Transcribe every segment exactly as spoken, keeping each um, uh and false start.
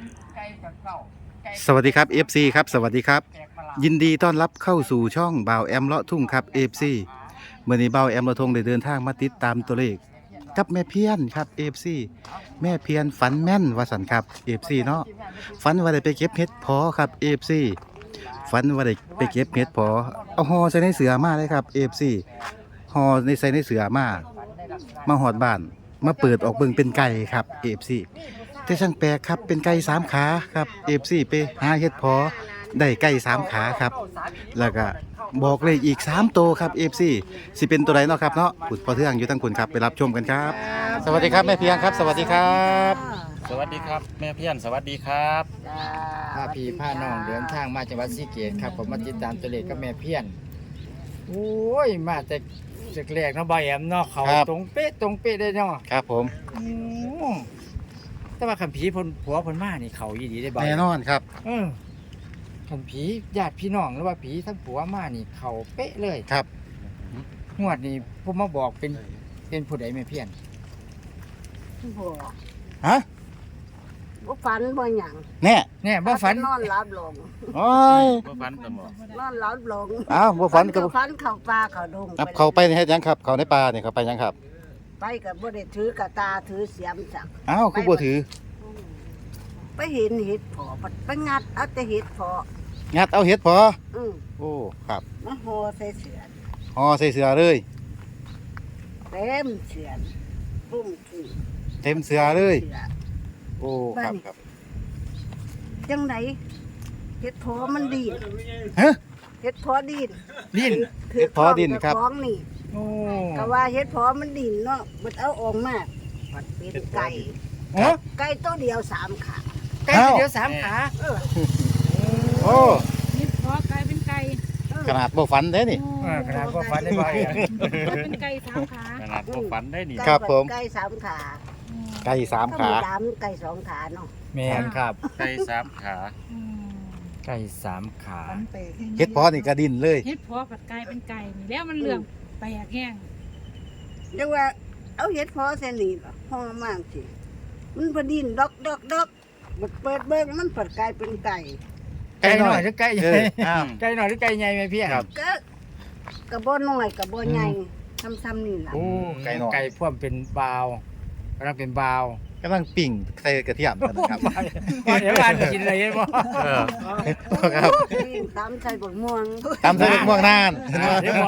สวัสดีครับ เอฟ ซี ครับสวัสดีครับยินดีต้อนรับเข้าสู่ช่องบ่าวแอมเลาะทุ่งครับ เอฟ ซี เมื่อนี้บ่าวแอมเลาะทุ่งได้เดินทางมาติดตามตัวเลขกับแม่เพียนครับ เอฟ ซี แม่เพียนฝันแม่นว่าสันครับ เอฟ ซี เนาะฝันว่าได้ไปเก็บเห็ดพอครับ เอฟ ซี ฝันว่าได้ไปเก็บเห็ดพอเอาห่อใส่ในเสือมาเลยครับ เอฟ ซี ห่อในใส่ในเสือมามาหอดบ้านมาเปิดออกเบิ่งเป็นไก่ครับ เอฟ ซี แต่ช่างแปลกครับเป็นไก่สามขาครับ เอฟ ซี ไปหาเห็ดพอได้ไก่สามขาครับแล้วก็บอกเลยอีกสามตัวครับ เอฟ ซี สิเป็นตัวไหนเนาะครับเนาะขุดพอเทืองอยู่ทั้งคุณครับไปรับชมกันครับสวัสดีครับแม่เพียงครับสวัสดีครับสวัสดีครับแม่เพี้ยนสวัสดีครับพาพี่พาน้องเดินทางมาจังหวัดศรีเกษครับผมมาติดตามตัวเลขกับแม่เพี้ยนโอ้ยมาแต่จากแรกเนาะบ่อยแอมเนาะเขาตรงเป๊ะตรงเป๊ะได้เนาะครับผมอืมแต่ว่าคันผีพนผัวเพนมานี่เขายีดีได้บ่อยแน่นอนครับเออคันผีญาติพี่น้องหรือว่าผีทั้งผัวมานี่เขาเป๊ะเลยครับงวดนี้ผมมาบอกเป็นเป็นผู้ใดแม่เพี้ยนบ่ฮะบ่ฝันบ่หยังแน่แน่บ่ฝันนอนหลับลงโอ้ยบ่ฟันตะหมอนอนหลับลงอ้าวบ่ฝันกักับบ ฝันเข้าป่าเข้าดงครับเขาไปเฮ็ดหยังครับเขาในป่าเนี่ยเขาไปหยังครับไปก็บ่ได้ถือกระตาถือเสียมจักอ้าวคือบ่ถือไปเห็นเห็ดเพอไปงัดเอาแต่เห็ดเพองัดเอาเห็ดพออือโอ้ครับมาห่อใส่เสือห่อใส่เสือเลยเต็มเสือปุ้มขี้เต็มเสือเลยสือโอ้ครับครับจังไดเห็ดเพอมันดีนฮะเห็ดเพอดีนลิ้นถืเห็ดเพาะดินครับเจ้าของนี่โอ้ก็ว่าเห็ดเพอมันดินเนาะมันเอาออกมามันเป็นไก่โอ้ไก่ตัวเดียวสามขาไก่ตัวเดียวสามขาเออโอ้นี่เพราะกลายเป็นไก่ขนาดบ่ฝันเด้นี่เออขนาดบ่ฝันได้บ่อยอะเป็นไก่สามขาขนาดบ่ฟันได้นี่ครับผมไก่สามขาไก่สามก็ขามีดำไก่สองขาเนาะแม่นครับไก่สามขาไก่สามขาเฮ็ดพอนี่กระดินเลยเฮ็ดเพราะกับกลายเป็นไก่นี่แล้วมันเหลืองแปลกแห้งเรียกว่าเอาเห็ดพอเสนีห้องมากสิมันพอดินดอกดอกดอกมันเปิดเบิ้งมันเปิดกลายเป็นไก่ไก่หน่อยหรือไก่ใหเอญ่ออ้าวไก่หน่อยหรือไก่ใหญ่แม่พี่ครับก็กระบอกน้อยกระบอกใหญ่ซ้ำๆนี่ล่ะโอ้ไก่หน่อยไก่พ่วมเป็นบาวกำลังเป็นบาวกำลังปิ่งใส่กระเทียมกันนะครับเดี๋ยวการกินอะไรบ่เออครับตามใส่บกม่วงตามใส่ลูกม่วงนานเดี๋ยวบ่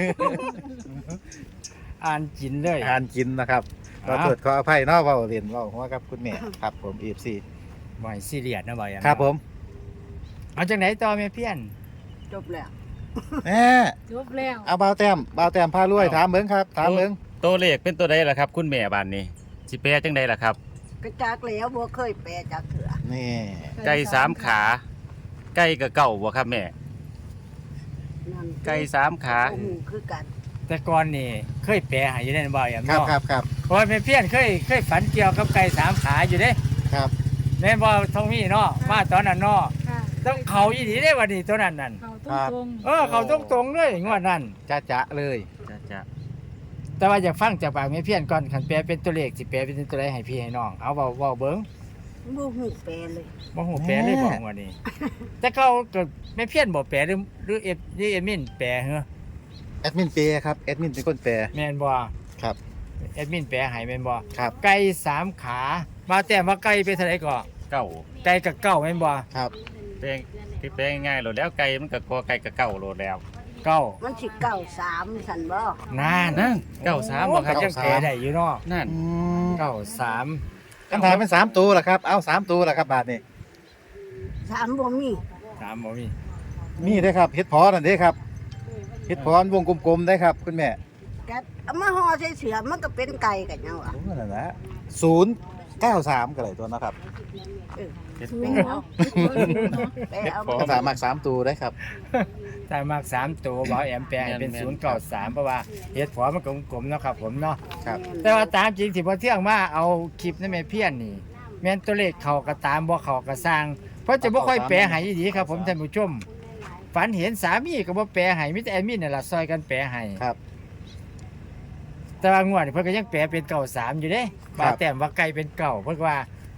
อ่านกินเลยทานกินนะครับขอโทษขออภัยเนาะเว้าเรียนเว้าหัวกับคุณแม่ครับผม เอฟ ซีบ่อยซีเรียสนะบ่อยอะครับผมเอาจากไหนต่อแม่เพี้ยนจบแล้วแม่จบแล้วเอาบ่าวแต้มบ่าวแต้มพารวยถามเบิ่งครับถามเบิ่งตัวเลขเป็นตัวใดล่ะครับ คุณแม่บ้านนี้สิแปลจังใดล่ะครับกระจากแล้วบ่เคยแปลจากเถื่อนี่ไก่สามขา ไก่กับเก่าบ่ครับแม่นั่นไก่สามขาโอ้โหคือกันแต่ก่อนนี่เคยแปลให้อยู่ได้บ่อยอะครับเนาะครับครับเพราะว่าแม่เพี้ยนเคยเคยฝันเกี่ยวกับไก่สามขาอยู่เด้ครับแม่นบ่ทองมีเนาะมาตอนนั้นเนาะค่ะต้องเขาอีดีได้วันนี้ตัวนั้นนั่นเขาตรงเออเขาตรงตรงๆเลยงวดนั้นจ้าจ๊ะเลยจะจะแต่ว่าอยากฟังจากปากแม่เพี้ยนก่อนคันแปลเป็นตัวเลขสิแปลเป็นตัวใดให้พี่ให้น้องเอาเว้าเว้าเบิ่งบ่ฮู้แปลเลยบ่ฮู้แปลเลยบ่งวดนี้ แต่เขาก็แม่เพี้ยนบ่แปลหรือหรือเอฟหรือเอมินแปลเหรอแอดมินเปย์ครับแอดมินเป็นคนแปลแม่นบ่ครับแอดมินแปลให้แม่นบ่ครับไก่สามขามาแต่ว่าไก่เป็นเท่าไหร่ก่อเก่าไก่กับเก้าแม่นบ่ครับแปลงคือแปลง่ายๆโลดแล้วไก่มันก็กอไก่กับเก่าโลดแล้วเก้ามันสิเก้าสามสันบ่นานนั่นเก้าสามบ่ครับโอ้ก็ยังแปลได้อยู่เนาะนั่นอืมเก้าสามคำถามเป็นสามตัวล่ะครับ เอาสามตัวล่ะครับบาทนี่สามบ่มีสามบ่มีมีได้อครับเฮ็ดพอนั่นเด้ครับเฮ็ดพอวงกลมๆได้ครับ คุณแม่ก็เอามาห่อใส่เสือมันก็เป็นไก่กันยังวะโอ้นั่นแหละศูนย์เก้าสามก็เลยตัวเนาะครับเออเฮ็ดๆไปสูงเอาเนาะไปเอาคำถามมากสามตัวได้ครับถ้ามากสามตัวบ่แอมแปลให้เป็นศูนย์เก้าสามเพราะว่าเฮ็ดพอมันกลมๆเนาะครับผมเนาะครับแต่ว่าตามจริงที่พอเที่ยงมาเอาคลิปนั่นแม่เพี้ยนนี่แม่นตัวเลขเขาก็ตามบ่เขาก็สร้าง เพราะจะบ่ค่อยแปลให้ดีครับผมท่านผู้ชมฝันเห็นสามีก็บ่แปลให้มีแต่แอดมินนั่นล่ะซอยกันแปลให้ครับแต่ว่างวดนี่เพิ่นก็ยังแปลเป็นเก้าสามอยู่เด้ครับ่าบแต้มว่าไก่เป็นเก่าเพิ่นก็ว่า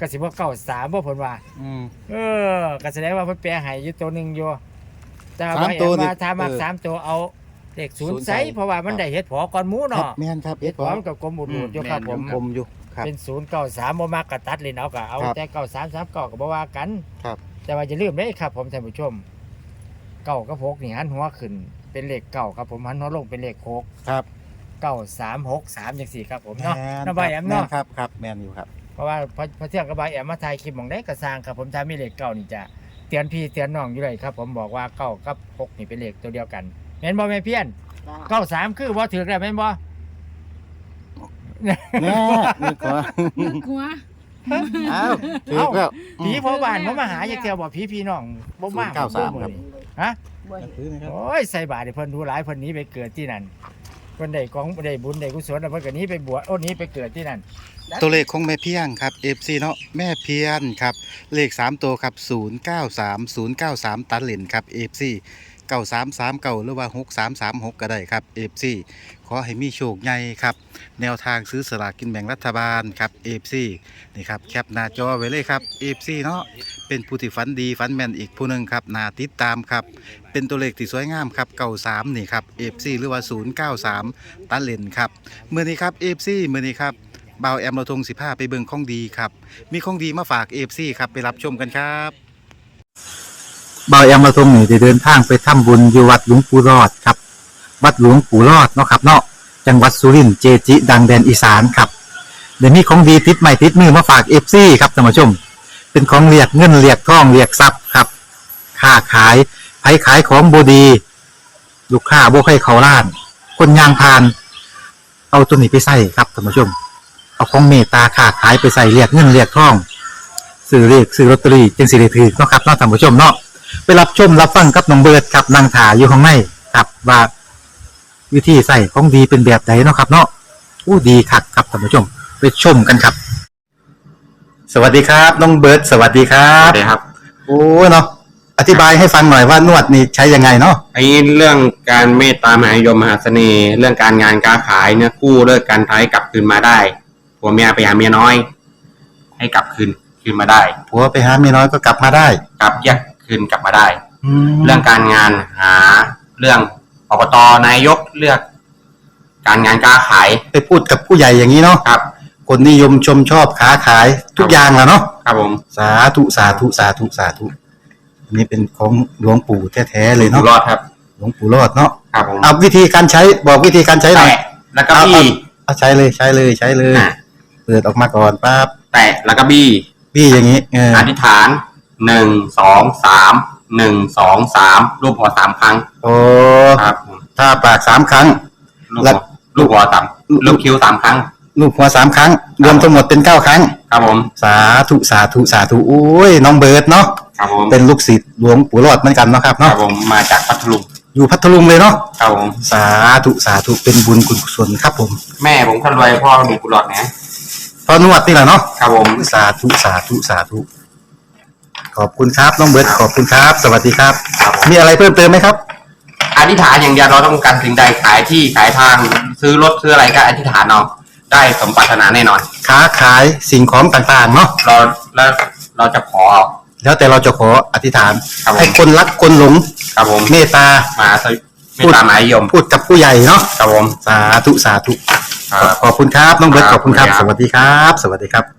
ก็สิบ่เก้าสามบ่เพิ่นว่าอืมเออก็แสดงว่าเพิ่นแปลให้อยู่ตัวหนึงอยู่แต่ว่าสามบ่ตัวเห็นนี่ว่าถ้ามักเออสามตัวเอาเลขศูนศูย์นย์ใส่ใส่เพราะว่ามันครับได้เฮ็ดผอก่อนหมูครับเนาะแม่นครับเฮ็เอ็ดดผพออมันก็กลมอุดๆอยู่ครับผมกลมอยู่ครับเป็นศูนย์เก้าสามบ่มักก็ตัดเลยเอาก็เอาครับแต่เก้าสามสามเก้าก็บ่ว่ากันครับแต่ว่าอย่าลืมเด้ครับผมท่านผู้ชมเก้ากับหกนี่หันหัวขึ้นเป็นเลขเก้าครับผมหันหัวลงเป็นเลขหกครับเก้าสามหกสามจังซี่ครับผมเนาะแม่นน้องใบแอมเนาะครับครับแม่นอยู่ครับเพราะว่าพอพอเที่ยงกับใบแอมมาถ่ายคลิปหม่องได้ก็สร้างครับผมถ้ามีเลขเก้านี่จะเตือนพี่เตือนน้องอยู่เลยครับผมบอกว่าเก้ากับหกนี่เป็นเลขตัวเดียวกันแม่นบ่แม่เพี้ยน เก้าสามคือบ่ถือแล้วแม่นบ่แน่นี่ก็นึกหัวอ้าวถูกแล้วผีพ่อบ้านบ่มาหาจักเที่ยวบ่ผีพี่น้องบ่มาศูนย์เก้าสามครับฮะถือนะครับโอ้ยใส่บาตรให้เพิ่นดูหลายเพิ่นหนี้ไปเกิดที่นั่นเพิ่นได้ของได้บุญได้กุศลแล้วเพิ่นก็หนี้ไปบวชโอ้หนี้ไปเกิดที่นั่นตัวเลขของแม่เพียงครับ เอฟ ซี เนาะแม่เพียนครับเลขสามตัวครับศูนย์เก้าสาม ศูนย์เก้าสามตัดเลนครับ เอฟ ซี เก้าสามสามเก้าหรือว่าหกสามสามหกก็ได้ครับ เอฟ ซี ขอให้มีโชคใหญ่ครับแนวทางซื้อสลากกินแบ่งรัฐบาลครับ เอฟ ซี นี่ครับแคปหน้าจอไว้เลยครับ เอฟ ซี เนาะเป็นผู้ที่ฝันดีฝันแม่นอีกผู้หนึงครับน่าติดตามครับเป็นตัวเลขที่สวยงามครับเก้าสามนี่ครับ เอฟ ซี หรือว่าศูนย์เก้าสามตัดเลนครับเมื่อนี้ครับ เอฟ ซี เมื่อนี้ครับบ่าวแอมเราทงสิบห้าไปเบิ่งของดีครับมีของดีมาฝาก เอฟ ซี ครับไปรับชมกันครับบ่าวแอมเราทงนี่ได้เดินทางไปทำบุญอยู่วัดหลวงปู่รอดครับวัดหลวงปู่รอดเนาะครับเนาะจังหวัดสุรินทร์เจจิ ดังแดนอีสานครับเดี๋ยวนี้ของดีติดใหม่ติดมือมาฝาก เอฟ ซี ครับท่านผู้ชมเป็นของเรียกเงินเรียกทองเรียกทรัพย์ครับค้าขายไผขายของบดี ลูกค้าบ่ใครเขาล้าน คนยางพาน เอาตัวนี้ไปใส่ครับท่านผู้ชม เอาของเมตตาค้าขายไปใส่เรียกเงินเรียกทองซื้อเรียกซื้อลอตเตอรี่จึงสิได้ถือเนาะครับเนาะท่านผู้ชมเนาะไปรับชมรับฟังกับน้องเบิร์ดครับนางถาอยู่ข้างในครับว่าวิธีใส่ของดีเป็นแบบไหนเนาะครับ เนาะอู้ดีคักครับท่านผู้ชม ไปชมกันครับ สวัสดีครับน้องเบิร์ดสวัสดีครัครับ บครับโอ้เนาะอธิบายให้ฟังหน่อยว่านวดนี่ใช้ยังไงเนาะไอ้เรื่องการเมตตามหานิยมมหาเสน่ห์ เรื่องการงานการขายเนี่ยกู้เลิกการท้ายกลับคืนมาได้ผัวเมียไปหาเมียน้อย ให้กลับคืนคืนมาได้ผัวไปหาเมียน้อยก็กลับมาได้กลับแยกคืนกลับมาได้แล้เรื่วองการงานหาเรื่องอบตนายกเลือก การงานการขายไปพูดกับผู้ใหญ่อย่างนี้เนาะครับคนนิยมชมชอบค้าขายทุกอย่างแหละเนาะครับผมสาธุสาธุสาธุสาธุอันนี้เป็นของหลวงปู่แท้ๆเลยอยู่เนาะรอดครับหลวงปู่รอดเนาะครับผมเอาวิธีการใช้บอกวิธีการใช้หน่อยแตะแล้วก็บี้เอาใช้เลยใช้เลยใช้เลยอ่ะเปิดออกมาก่อนปั๊บแตะแล้วก็บี้พี่อย่างนี้เอออธิษฐานหนึ่งสองสามหนึ่งสองสามรูปหัวสามครั้งโอ้ครับผมถ้าปากสามครั้งลูกแล้หัววลูกหัวสามลูกคิ้วสามครั้งลูกหัวสามครั้ง รวมทั้งหมดเป็นเก้าครั้งครับผมสาธุสาธุสาธุโอ้ยน้องเบิร์ดเนาะครับผมเป็นลูกศิษย์หลวงปู่รอดเหมือนกันเนาะครับครัเนาะบผมมาจากพัทลุงอยู่พัทลุงเลยเนาะครับผมสาธุสาธุเป็นบุญกุศลครับผมแม่ผมคนรวยพ่อมีกุหลาบนะพอนวดนี่แหละเนาะครับผมสาธุสาธุสาธุขอบคุณครับน้องเบิร์ดขอบคุณครับ สวัสดีครับครับผมมีอะไรเพิ่มเติมไหมครับอธิษฐานอย่างเดียวเราต้องการสิ่งใดขายที่ขายทางซื้อรถซื้ออะไรก็อธิษฐานเอาได้สมปรารถนาแน่นอนค้าขายสิ่งของต่างๆเนาะเราแล้วเราจะขอแล้วแต่เราจะขออธิษฐานครับผมให้คนรักคนหลงครับผมเมตตามาสวิไม่ตามหมายยมพูดกับผู้ใหญ่เนาะครับผมสาธุสาธุครับขอบคุณครับน้องเบิร์ตคขรับอบคุณครับขอบสคุณครับวัสดีครับ สวัสดีครับ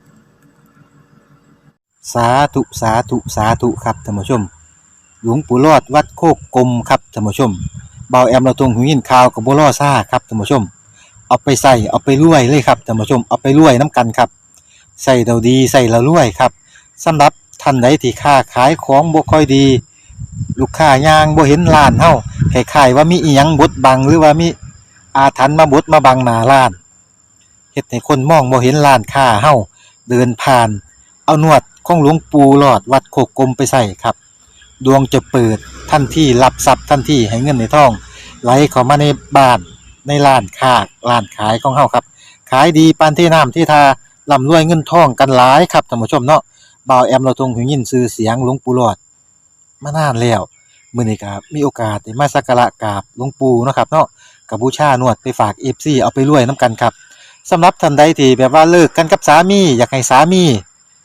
สาธุสาธุสาธุครับท่านผู้ชม หลวงปู่รอดวัดโคกกลมครับท่านผู้ชมเบาแอมเราตรงหูยินข่าวกับบัวล่อซ่าครับท่านผู้ชม เอาไปใส่เอาไปรวยเลยครับท่านผู้ชมเอาไปรวยน้ำกันครับใส่เราดีใส่เรารวยครับสำหรับท่านใดที่ค้าขายของบ่ค่อยดี ลูกค้ายางบ่เห็นร้านเฮาคล้ายๆว่ามีอีหยังบดบังหรือว่ามีอาถรรพ์มาบดมาบังหน้าร้านเฮ็ดให้คนมองบ่เห็นร้านค้าเฮาเดินผ่าน เอานวดของหลวงปู่หลอดวัดโคกกลมไปใส่ครับดวงจะเปิดทันทีรับทรัพย์ทันทีให้เงินในท้องไหลเข้ามาในบ้านในร้านค้าร้านขายของเฮาครับขายดีปานที่น้ำที่ทาร่ำรวยเงินทองกันหลายครับท่านผู้ชมเนาะบ่าวแอมเราทรงหูยินชื่อเสียงหลวงปู่หลอดมานานแล้วมื้อนี้ครับมีโอกาสได้มาสักการะกราบหลวงปู่เนาะครับเนาะก็บูชานวดไปฝาก เอฟ ซี เอาไปรวยนํกันครับสำหรับท่านใดที่แบบว่าเลิกกันกับสามีอยากให้สามี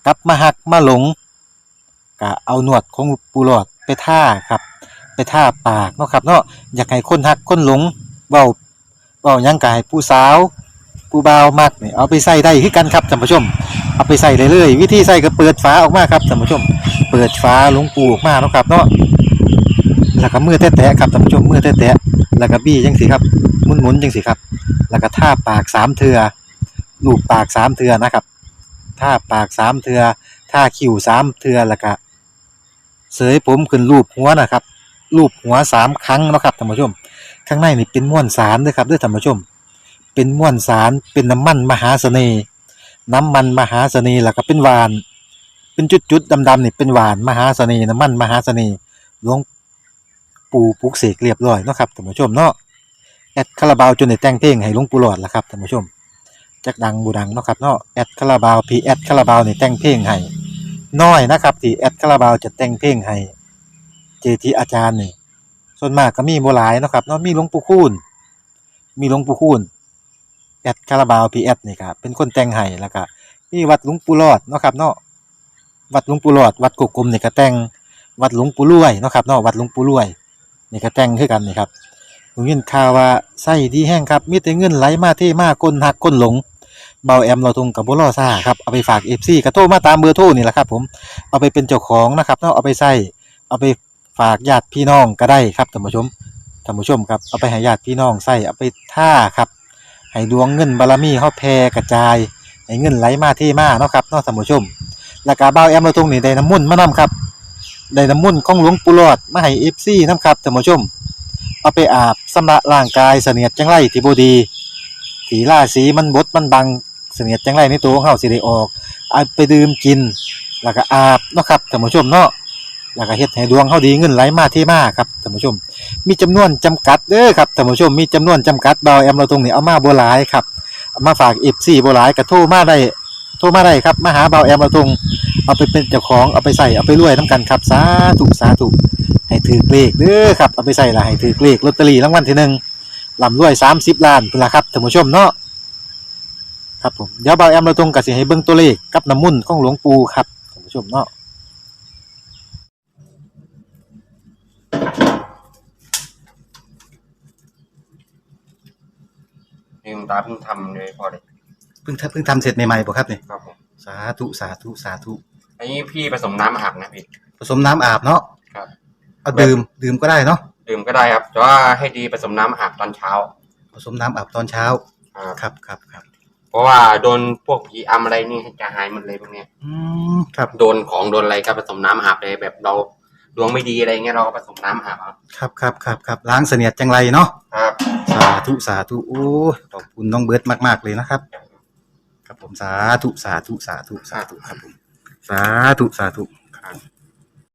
ลับมาหักมาหลงก็เอาหนวดของปูหลอดไปท่าครับไปท่าปากเนาะครับเนาะอยากให้คนหักคนหลงเว้าเว้าหยังก็ให้ผู้สาวผู้บ่าวมักนี่เอาไปใส่ได้คือกันครับท่านผู้ชมเอาไปใส่เลยเลยวิธีใส่ก็เปิดฝาออกมาครับท่านผู้ชมเปิดฝาหลวงปูออกมาเนาะครับเนาะแล้วก็มือแตะๆครับท่านผู้ชมมือแตะๆแล้วก็บี้จังซี่ครับหมุนๆจังซี่ครับแล้วก็ท่าปากสามเทื่อลูบปากสามเทื่อนะครับท่าปากสามเทื่อท่าคิ้วสามเทื่อแล้วก็เสยผมขึ้นรูปหัวนะครับรูปหัวสามครั้งเนาะครับท่านผู้ชมข้างในนี่เป็นม้วนสารเด้อครับเด้อท่านผู้ชมเป็นม้วนสารเป็นน้ำมันมหาเสน่ห์น้ำมันมหาเสน่ห์แล้วก็เป็นหวานเป็นจุดๆดำๆนี่เป็นหวานมหาเสน่ห์น้ำมันมหาเสน่ห์หลวงปู่ปลุกเสกเรียบร้อยเนาะครับท่านผู้ชมเนาะแอดคาราบาวจนได้แต่งเพลงให้หลวงปู่หลอดล่ะครับท่านผู้ชมจักดังบ่ดังเนาะครับเนาะแอดคาราบาวพีแอดคาราบาวนี่แต่งเพลงให้น้อยนะครับที่แอดคาราบาวจะแต่งเพลงให้เจทีอาจารย์นี่ส่วนมากก็มีบ่หลายเนาะครับเนาะมีหลวงปู่คูณมีหลวงปู่คูณแอดคาราบาวพีแอดนี่ครับเป็นคนแต่งให้แล้วก็มีวัดหลวงปู่หลอดเนาะครับเนาะวัดหลวงปู่หลอดวัดกกกลมนี่ก็แต่งวัดหลวงปู่รวยเนาะครับเนาะวัดหลวงปู่รวยนี่ก็แต่งคือกันนี่ครับผมยินข่าวว่าไส้ดีแห้งครับมีแต่เงินไหลมาเทมาคนหักคนหลงเบาแอมเราทงกับบ่รอซ่าครับเอาไปฝาก เอฟ ซี ก็โทรมาตามเบอร์โทรนี่แหละครับผมเอาไปเป็นเจ้าของนะครับเนาะเอาไปใส่เอาไปฝากญาติพี่น้องก็ได้ครับท่านผู้ชมท่านผู้ชมครับเอาไปให้ญาติพี่น้องใส่เอาไปท่าครับให้ดวงเงินบารมีเฮาแผ่กระจายให้เงินไหลมาเทมาเนาะครับเนาะท่านผู้ชมแล้วก็เบาแอมเราทงนี่ได้น้ำมนต์มานํครับได้น้ำมนต์ของหลวงปู่หลอดมาให้ เอฟ ซี นำครับท่านผู้ชมเอาไปอาบสำระร่างกายเสนียดจังไรที่บ่ดีที่ราศีมันบดมันบังเสนียดจังไรในตัวของเฮาสิได้ออกเอาไปดื่มกินแล้วก็อาบเนาะครับท่านผู้ชมเนาะแล้วก็เฮ็ดให้ดวงเฮาดีเงินไหลมาเทมาครับท่านผู้ชมมีจำนวนจำกัดเด้อครับท่านผู้ชมมีจำนวนจำกัดเบาแอมเราตรงนี้เอามาบ่หลายครับเอามาฝาก เอฟ ซี บ่หลายก็โทรมาได้โทรมาได้ครับมาหาเบาแอมเราตรงเอาไปเป็นเจ้าของเอาไปใส่เอาไปรวยนํกันครับสาธุสาธุให้ถือเลขเด้อครับเอาไปใส่ละให้ถือเลขลอตเตอรี่รางวัลที่หนึ่งร่ำรวยสามสิบล้านพุ่นล่ะครับท่านผู้ชมเนาะครับผมเดี๋ยวเบาแอมเราตรงก็สิให้เบิ่งตัวเลขกับน้ำมุ่นต์ของหลวงปู่ครับท่านผู้ชมเนาะลืมตาเพิ่งทำเลยพอเลยเพิ่งทำเพิ่งทำเสร็จใหม่ๆบ่ครับนี่ครับผมสาธุสาธุสาธุอันนี้พี่ผสมน้ำอาบนะพี่ผสมน้ำอาบเนาะครับเอาดื่มดื่มก็ได้เนาะดื่มก็ได้ครับแต่ว่าให้ดีผสมน้ำอาบตอนเช้าผสมน้ำอาบตอนเช้าครับครับครับครับเพราะว่าโดนพวกผีอำอะไรนี่จะหายหมดเลยพวกเนี้ยอืมครับโดนของโดนอะไรก็ผสมน้ำอาบเลยแบบเราดวงไม่ดีอะไรเงี้ยเราก็ผสมน้ำอาบครับครับครับครับครับล้างเสนียดจังไรเนาะครับสาธุสาธุโอ้ยขอบคุณน้องเบิร์ตมากๆเลยนะครับครับผมสาธุสาธุสาธุสาธุครับผมสาธุสาธุครับ